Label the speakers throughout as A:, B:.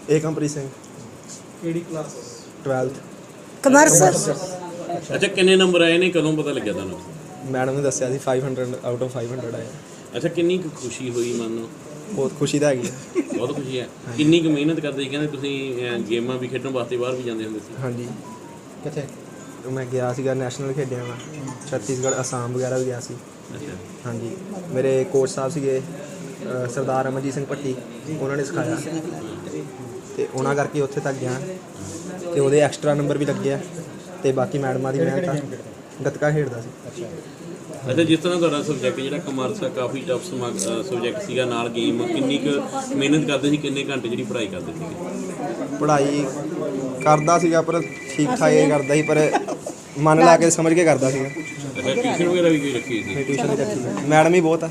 A: ਏਕਮਪ੍ਰੀਤ ਸਿੰਘ।
B: ਕਿਹੜੀ class?
A: 12th।
C: Commerce.
D: ਅੱਛਾ, ਕਿੰਨੇ ਨੰਬਰ ਆਏ ਨੇ, ਕਦੋਂ ਪਤਾ ਲੱਗਿਆ ਤੁਹਾਨੂੰ?
A: ਮੈਡਮ ਨੇ ਦੱਸਿਆ ਸੀ 500 ਆਊਟ ਆਫ 500 ਆਏ।
D: ਅੱਛਾ, ਕਿੰਨੀ ਕੁ ਖੁਸ਼ੀ ਹੋਈ ਮਨ ਨੂੰ?
A: ਬਹੁਤ ਖੁਸ਼ੀ ਤਾਂ ਹੈਗੀ ਹੈ।
D: ਬਹੁਤ ਖੁਸ਼ੀ ਹੈ। ਕਿੰਨੀ ਕੁ ਮਿਹਨਤ ਕਰਦੇ ਸੀ? ਕਹਿੰਦੇ ਤੁਸੀਂ ਗੇਮਾਂ ਵੀ ਖੇਡਣ ਵਾਸਤੇ ਬਾਹਰ ਵੀ ਜਾਂਦੇ ਹੁੰਦੇ ਸੀ।
A: ਹਾਂਜੀ,
B: ਕਿੱਥੇ?
A: ਮੈਂ ਗਿਆ ਸੀਗਾ, ਨੈਸ਼ਨਲ ਖੇਡਿਆ ਮੈਂ, ਛੱਤੀਸਗੜ੍ਹ, ਅਸਾਮ ਵਗੈਰਾ ਵੀ ਗਿਆ ਸੀ।
D: ਅੱਛਾ,
A: ਹਾਂਜੀ, ਮੇਰੇ ਕੋਚ ਸਾਹਿਬ ਸੀਗੇ ਸਰਦਾਰ ਅਮਰਜੀਤ ਸਿੰਘ ਭੱਟੀ, ਉਹਨਾਂ ਨੇ ਸਿਖਾਇਆ ਅਤੇ ਉਹਨਾਂ ਕਰਕੇ ਉੱਥੇ ਤੱਕ ਗਿਆ ਅਤੇ ਉਹਦੇ ਐਕਸਟਰਾ ਨੰਬਰ ਵੀ ਲੱਗੇ ਆ ਅਤੇ ਬਾਕੀ ਮੈਡਮਾਂ ਦੀ ਮਿਹਨਤ ਆ। ਗੱਤਕਾ ਖੇਡਦਾ ਸੀ।
D: ਅੱਛਾ, ਜਿਸ ਤਰ੍ਹਾਂ ਤੁਹਾਡਾ ਸਬਜੈਕਟ ਜਿਹੜਾ ਕਮਰਸ ਆ ਕਾਫੀ ਟਫ ਸਬਜੈਕਟ ਸੀਗਾ, ਨਾਲ ਗੇਮ, ਕਿੰਨੀ ਕੁ ਮਿਹਨਤ ਕਰਦੇ ਸੀ, ਕਿੰਨੇ ਘੰਟੇ ਜਿਹੜੀ ਪੜ੍ਹਾਈ ਕਰਦੇ ਸੀਗੇ?
A: ਪੜ੍ਹਾਈ ਕਰਦਾ ਸੀਗਾ ਪਰ ਠੀਕ ਠਾਕ ਹੀ ਕਰਦਾ ਸੀ, ਪਰ ਮਨ ਲਾ ਕੇ ਸਮਝ ਕੇ ਕਰਦਾ ਸੀਗਾ।
D: ਅੱਛਾ, ਟਿਊਸ਼ਨ ਵਗੈਰਾ ਵੀ ਕੋਈ ਰੱਖੀ ਸੀ?
A: ਟਿਊਸ਼ਨ ਵੀ ਰੱਖੀ ਸੀ, ਮੈਡਮ ਹੀ ਬਹੁਤ ਆ।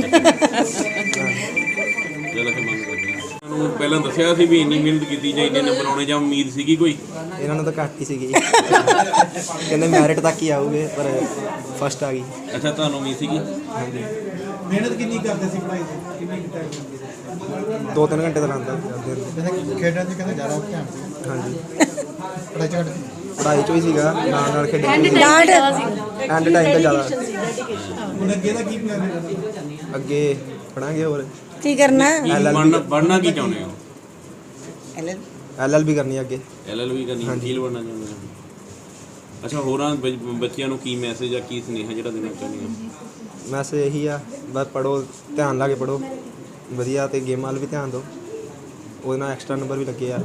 D: ਜਿਹੜਾ ਕਿ ਮੰਨ ਕਰਦੇ ਆ ਤੁਹਾਨੂੰ ਪਹਿਲਾਂ ਦੱਸਿਆ ਸੀ ਵੀ ਇੰਨੀ ਮਿਹਨਤ ਕੀਤੀ ਜਾਂ ਇੰਨੇ ਨੰਬਰ ਆਉਣੇ, ਜਾਂ ਉਮੀਦ ਸੀਗੀ ਕੋਈ?
A: ਇਹਨਾਂ ਨੂੰ ਤਾਂ ਘੱਟ ਹੀ ਸੀਗੀ, ਕਹਿੰਦੇ ਮੈਰਿਟ ਤੱਕ ਹੀ ਆਊਗੇ, ਪਰ ਫਸਟ ਆ ਗਈ।
D: ਅੱਛਾ, ਤੁਹਾਨੂੰ ਉਮੀਦ ਸੀਗੀ?
A: ਹਾਂਜੀ,
B: ਮਿਹਨਤ ਕਿੰਨੀ ਕਰਦੇ ਸੀ ਪੜ੍ਹਾਈ ਦੀ? ਕਿੰਨੀ ਟਾਈਮ ਲੱਗਦੀ ਸੀ?
A: 2-3 ਘੰਟੇ ਤਾਂ ਲਾਉਂਦਾ ਸੀ।
B: ਕਹਿੰਦੇ ਖੇਡਾਂ 'ਚ ਕਹਿੰਦੇ ਜ਼ਿਆਦਾ ਧਿਆਨ ਸੀ।
A: ਹਾਂਜੀ,
B: ਪੜ੍ਹਾਈ 'ਚ ਘੱਟ ਸੀ।
A: ਪੜ੍ਹਾਈ 'ਚੋਂ ਹੀ ਸੀਗਾ, ਨਾਲ ਖੇਡਣ
C: ਡਾਂਟ
A: ਐਂਡ ਟਾਈਮ ਤਾਂ ਜ਼ਿਆਦਾ।
B: ਹੁਣ ਅੱਗੇ ਦਾ ਕੀ ਪਲਾਨ ਹੈ?
A: ਅੱਗੇ ਪੜਾਂਗੇ ਹੋਰ,
C: ਕੀ ਕਰਨਾ?
D: ਬਣਨਾ ਕੀ ਚਾਹੁੰਦੇ ਹੋ?
A: LLB ਕਰਨੀ ਅੱਗੇ।
D: LLB ਕਰਨੀ? ਵਕੀਲ ਬਣਨਾ ਚਾਹੁੰਦੇ ਹੋ? ਅੱਛਾ, ਹੋਰਾਂ ਬੱਚਿਆਂ ਨੂੰ ਕੀ ਮੈਸੇਜ ਆ, ਕੀ ਸੁਨੇਹਾ ਜਿਹੜਾ ਦੇਣਾ ਚਾਹੁੰਦੇ ਹੋ?
A: ਮੈਸੇਜ ਇਹੀ ਆ, ਬਸ ਪੜ੍ਹੋ, ਧਿਆਨ ਲਾ ਕੇ ਪੜ੍ਹੋ ਵਧੀਆ, ਅਤੇ ਗੇਮਾਂ ਵੱਲ ਵੀ ਧਿਆਨ ਦਿਓ, ਉਹਦੇ ਨਾਲ ਐਕਸਟਰਾ ਨੰਬਰ ਵੀ ਲੱਗੇ ਆ।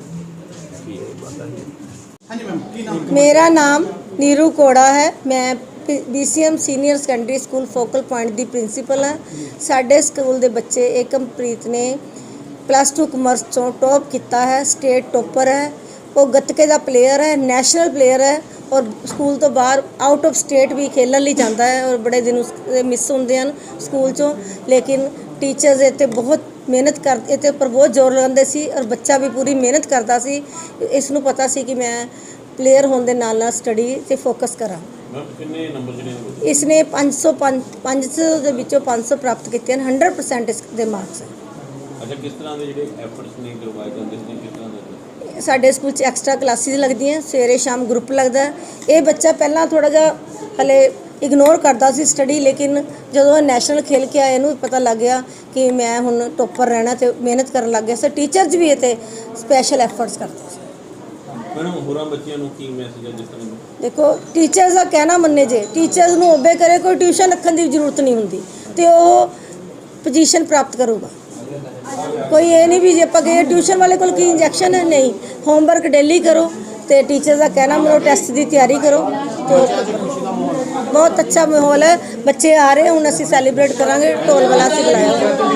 B: ਹਾਂਜੀ ਮੈਮ, ਕੀ ਨਾਮ?
C: ਮੇਰਾ ਨਾਮ ਨੀਰੂ ਕੋੜਾ ਹੈ। ਮੈਂ BCM senior secondary school focal point ਦੀ ਪ੍ਰਿੰਸੀਪਲ ਹਾਂ। ਸਾਡੇ ਸਕੂਲ ਦੇ ਬੱਚੇ ਏਕਮਪ੍ਰੀਤ ਨੇ +2 ਕਮਰਸ ਚੋਂ ਟੌਪ ਕੀਤਾ ਹੈ, ਸਟੇਟ ਟੋਪਰ ਹੈ। ਉਹ ਗੱਤਕੇ ਦਾ ਪਲੇਅਰ ਹੈ, ਨੈਸ਼ਨਲ ਪਲੇਅਰ ਹੈ, ਔਰ ਸਕੂਲ ਤੋਂ ਬਾਹਰ ਆਊਟ ਆਫ ਸਟੇਟ ਵੀ ਖੇਲਣ ਲਈ ਜਾਂਦਾ ਹੈ। ਔਰ ਬੜੇ ਦਿਨ ਉਸਦੇ ਮਿਸ ਹੁੰਦੇ ਹਨ ਸਕੂਲ 'ਚੋਂ, ਲੇਕਿਨ ਟੀਚਰਸ ਇੱਥੇ ਬਹੁਤ ਮਿਹਨਤ ਕਰਦੇ, ਇਹਦੇ ਉੱਪਰ ਬਹੁਤ ਜ਼ੋਰ ਲਗਾਉਂਦੇ ਸੀ, ਔਰ ਬੱਚਾ ਵੀ ਪੂਰੀ ਮਿਹਨਤ ਕਰਦਾ ਸੀ। ਇਸ ਨੂੰ ਪਤਾ ਸੀ ਕਿ ਮੈਂ ਪਲੇਅਰ ਹੋਣ ਦੇ ਨਾਲ ਨਾਲ ਸਟੱਡੀ 'ਤੇ ਫੋਕਸ ਕਰਾਂ।
D: ਕਿੰਨੇ ਨੰਬਰ ਜਿਹੜੇ?
C: ਇਸਨੇ 500 ਦੇ ਵਿੱਚੋਂ 500 ਪ੍ਰਾਪਤ ਕੀਤੇ ਹਨ। 100% ਇਸ ਦੇ ਮਾਰਕਸ ਹੈ।
D: ਅੱਛਾ, ਕਿਸ ਤਰ੍ਹਾਂ ਦੇ ਜਿਹੜੇ ਐਫਰਟਸ ਨੇ ਕਰਵਾਏ ਜਾਂਦੇ ਸੀ, ਕਿਸ ਤਰ੍ਹਾਂ ਦੇ?
C: ਸਾਡੇ ਸਕੂਲ 'ਚ ਐਕਸਟਰਾ ਕਲਾਸਿਸ ਲੱਗਦੀਆਂ, ਸਵੇਰੇ ਸ਼ਾਮ ਗਰੁੱਪ ਲੱਗਦਾ। ਇਹ ਬੱਚਾ ਪਹਿਲਾਂ ਥੋੜ੍ਹਾ ਜਿਹਾ ਹਲੇ ਇਗਨੋਰ ਕਰਦਾ ਸੀ ਸਟੱਡੀ, ਲੇਕਿਨ ਜਦੋਂ ਨੈਸ਼ਨਲ ਖੇਲ ਕੇ ਆਇਆ, ਇਹਨੂੰ ਪਤਾ ਲੱਗ ਗਿਆ ਕਿ ਮੈਂ ਹੁਣ ਟੋਪਰ ਰਹਿਣਾ, ਅਤੇ ਮਿਹਨਤ ਕਰਨ ਲੱਗ ਗਿਆ। ਸੋ ਟੀਚਰਸ ਵੀ ਇਹ 'ਤੇ ਸਪੈਸ਼ਲ ਐਫਰਟਸ ਕਰਦੇ ਸੀ।
D: ਮੈਡਮ, ਹੋਰਾਂ ਬੱਚਿਆਂ ਨੂੰ ਕੀ ਮੈਸੇਜ ਹੈ? ਜਿਸ ਤਰ੍ਹਾਂ
C: ਦੇਖੋ, ਟੀਚਰਸ ਦਾ ਕਹਿਣਾ ਮੰਨੇ, ਜੇ ਟੀਚਰਸ ਨੂੰ ਓਬੇ ਕਰੇ, ਕੋਈ ਟਿਊਸ਼ਨ ਰੱਖਣ ਦੀ ਜ਼ਰੂਰਤ ਨਹੀਂ ਹੁੰਦੀ, ਅਤੇ ਉਹ ਪੋਜੀਸ਼ਨ ਪ੍ਰਾਪਤ ਕਰੂਗਾ। ਕੋਈ ਇਹ ਨਹੀਂ ਵੀ ਜੇ ਆਪਾਂ ਗਏ ਟਿਊਸ਼ਨ ਵਾਲੇ ਕੋਲ ਕੀ ਇੰਜੈਕਸ਼ਨ ਹੈ, ਨਹੀਂ। ਹੋਮਵਰਕ ਡੇਲੀ ਕਰੋ ਅਤੇ ਟੀਚਰ ਦਾ ਕਹਿਣਾ ਮੰਨੋ, ਟੈਸਟ ਦੀ ਤਿਆਰੀ ਕਰੋ। ਅਤੇ ਬਹੁਤ ਅੱਛਾ ਮਾਹੌਲ ਹੈ, ਬੱਚੇ ਆ ਰਹੇ। ਹੁਣ ਅਸੀਂ ਸੈਲੀਬ੍ਰੇਟ ਕਰਾਂਗੇ, ਢੋਲ ਵਾਲਾ ਅਸੀਂ ਬੁਲਾਇਆ,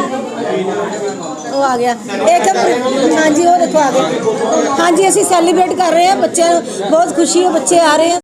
C: ਉਹ ਆ ਗਿਆ। ਹਾਂਜੀ, ਉਹ ਦੇਖੋ ਆ ਗਿਆ। ਹਾਂਜੀ, ਅਸੀਂ ਸੈਲੀਬ੍ਰੇਟ ਕਰ ਰਹੇ ਹਾਂ, ਬੱਚਿਆਂ ਨੂੰ ਬਹੁਤ ਖੁਸ਼ੀ ਹੈ, ਬੱਚੇ ਆ ਰਹੇ ਆ।